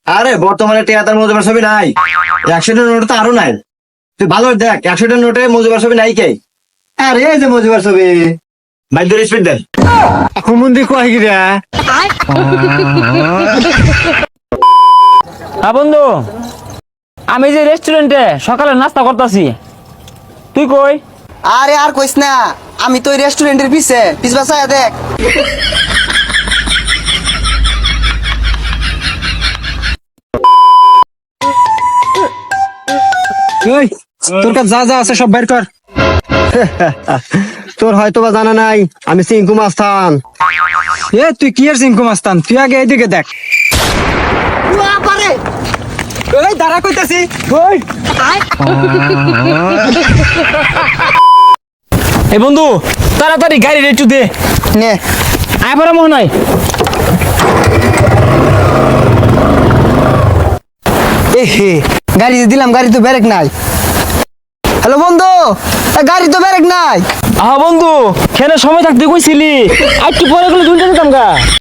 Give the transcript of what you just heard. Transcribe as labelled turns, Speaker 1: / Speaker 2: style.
Speaker 1: আরে বর্তমানে টিয়াতার মজুবার ছবি নাই, 100 টাকার নোট তো আরো নাই। তুই ভালো দেখ, 100 টাকার নোটে মজুবার ছবি নাই কে? আরে এই যে মজুবার ছবি। ভাই ধরে স্পিড দেন। হুমুন্দি কয় গিরা?
Speaker 2: হ্যাঁ বন্ধু, আমি যে রেস্টুরেন্টে সকালে নাস্তা করতেছি, তুই কই?
Speaker 3: আরে আর কইস না, আমি তো রেস্টুরেন্টের পিছ বাসায় দেখ।
Speaker 1: ওই তোর কাছে যা যা আছে সব বের কর। তোর হয়তো বা জানা নাই, আমি সিংকু মাস্তান। এ তুই কি এর সিংকু মাস্তান? তুই আগে এইদিকে দেখ। ওই দাঁড়া কইতাছি। ওই
Speaker 2: এই বন্ধু, তাড়াতাড়ি গাড়ি একটু দে।
Speaker 3: নে
Speaker 2: আয় পড়া মনে হয়।
Speaker 3: এ হে, গাড়ি যে দিলাম, গাড়ি তো ব্রেক নাই। হ্যালো বন্ধু, গাড়ি তো ব্রেক নাই।
Speaker 2: আহা বন্ধু, খেলে সময় থাকতে কইছিলি, আর একটু পরে গেলে দুইটা দিতাম গা।